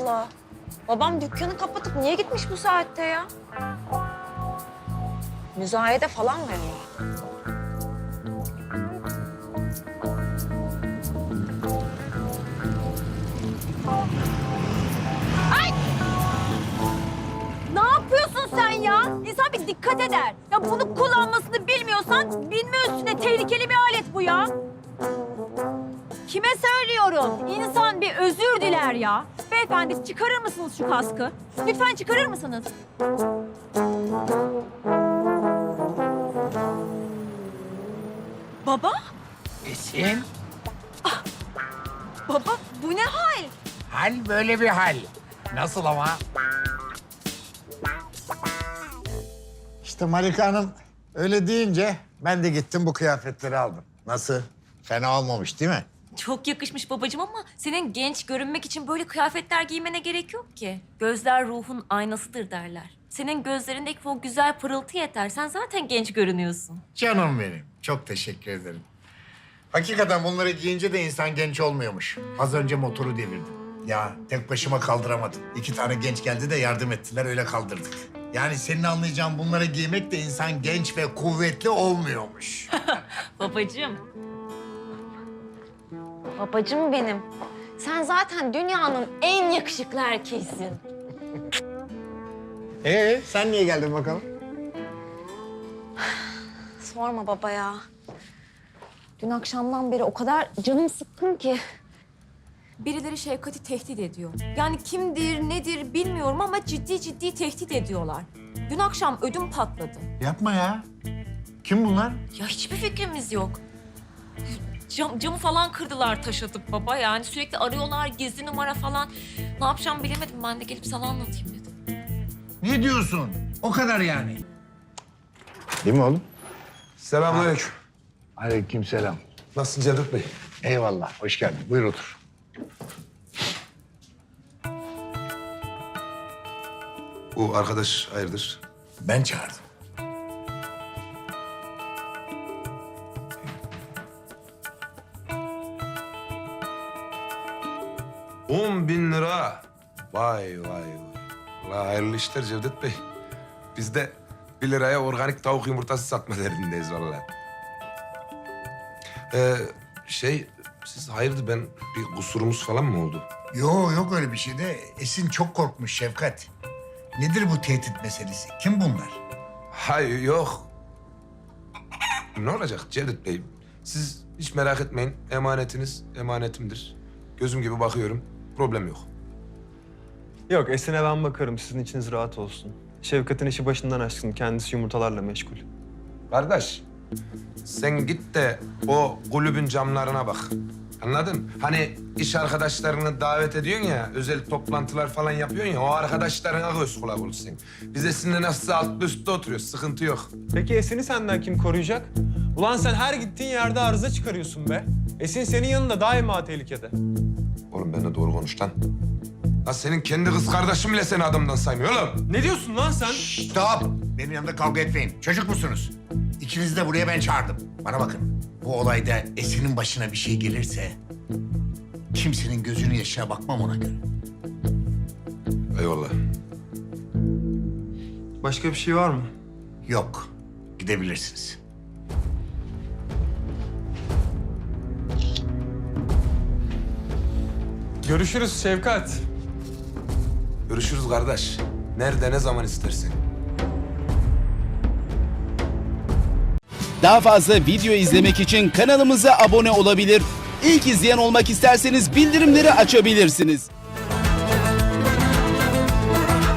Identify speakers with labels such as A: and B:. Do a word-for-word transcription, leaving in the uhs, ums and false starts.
A: Allah. Babam dükkanı kapatıp niye gitmiş bu saatte ya? Müzayede falan mı ya? Ay! Ne yapıyorsun sen ya? İnsan bir dikkat eder. Ya bunu kullanmasını bilmiyorsan bilme üstüne tehlikeli bir alet bu ya. Kime söylüyorum? İnsan bir özür diler ya. Beyefendi çıkarır mısınız şu kaskı? Lütfen çıkarır mısınız? Baba?
B: Esin,
A: Baba bu ne hal?
B: hal böyle bir hal. Nasıl ama? İşte Malika Hanım öyle deyince ben de gittim bu kıyafetleri aldım. Nasıl? Fena olmamış değil mi?
C: Çok yakışmış babacığım ama senin genç görünmek için böyle kıyafetler giymene gerek yok ki. Gözler ruhun aynasıdır derler. Senin gözlerindeki o güzel pırıltı yeter. Sen zaten genç görünüyorsun.
B: Canım benim. Çok teşekkür ederim. Hakikaten bunları giyince de insan genç olmuyormuş. Az önce motoru devirdim. Ya tek başıma kaldıramadım. İki tane genç geldi de yardım ettiler, öyle kaldırdık. Yani senin anlayacağın bunları giymek de insan genç ve kuvvetli olmuyormuş.
C: Babacığım.
A: Babacığım benim. Sen zaten dünyanın en yakışıklı erkeğisin.
B: Ee, sen niye geldin bakalım?
A: Sorma baba ya. Dün akşamdan beri o kadar canım sıkkın ki.
C: Birileri Şevkat'i tehdit ediyor. Yani kimdir, nedir bilmiyorum ama ciddi ciddi tehdit ediyorlar. Dün akşam ödüm patladı.
B: Yapma ya. Kim bunlar?
C: Ya hiçbir fikrimiz yok. Cam, camı falan kırdılar taş atıp baba. Yani sürekli arıyorlar, gizli numara falan. Ne yapacağımı bilemedim. Ben de gelip sana anlatayım dedim.
B: Ne diyorsun? O kadar yani.
D: Değil mi oğlum?
E: Selamünaleyküm.
B: Aleykümselam.
E: Nasılsın Cevdet Bey?
B: Eyvallah, hoş geldin. Buyur otur.
E: Bu arkadaş hayırdır?
B: Ben çağırdım.
E: On bin lira. Vay vay vay. Allah hayırlı işler Cevdet Bey. Biz de bir liraya organik tavuk yumurtası satma derdindeyiz vallahi. Ee, şey, siz hayırdır ben bir kusurumuz falan mı oldu?
B: Yo, yok öyle bir şey de Esin çok korkmuş Şefkat. Nedir bu tehdit meselesi? Kim bunlar?
E: Hayır yok. Ne olacak Cevdet Bey? Siz hiç merak etmeyin. Emanetiniz emanetimdir. Gözüm gibi bakıyorum. Problem yok.
F: Yok, Esin'e ben bakarım. Sizin içiniz rahat olsun. Şevkat'in işi başından aşkın. Kendisi yumurtalarla meşgul.
E: Kardeş, sen git de o kulübün camlarına bak. Anladın? Hani iş arkadaşlarını davet ediyorsun ya, özel toplantılar falan yapıyorsun ya, o arkadaşlarına göz kulak ol sen. Biz Esin'le nasılsa altlı üstte oturuyoruz, sıkıntı yok.
F: Peki Esin'i senden kim koruyacak? Ulan sen her gittiğin yerde arıza çıkarıyorsun be. Esin senin yanında daima tehlikede.
E: Oğlum benimle doğru konuş lan. Lan senin kendi kız kardeşin bile seni adamdan saymıyor oğlum.
F: Ne diyorsun lan sen?
B: Stop! Benim yanımda kavga etmeyin. Çocuk musunuz? İkinizi de buraya ben çağırdım. Bana bakın. Bu olayda Esin'in başına bir şey gelirse... kimsenin gözünün yaşına bakmam ona göre.
E: Eyvallah.
F: Başka bir şey var mı?
B: Yok. Gidebilirsiniz.
F: Görüşürüz Şevkat.
E: Görüşürüz kardeş. Nerede, ne zaman istersen.
G: Daha fazla video izlemek için kanalımıza abone olabilir. İlk izleyen olmak isterseniz bildirimleri açabilirsiniz.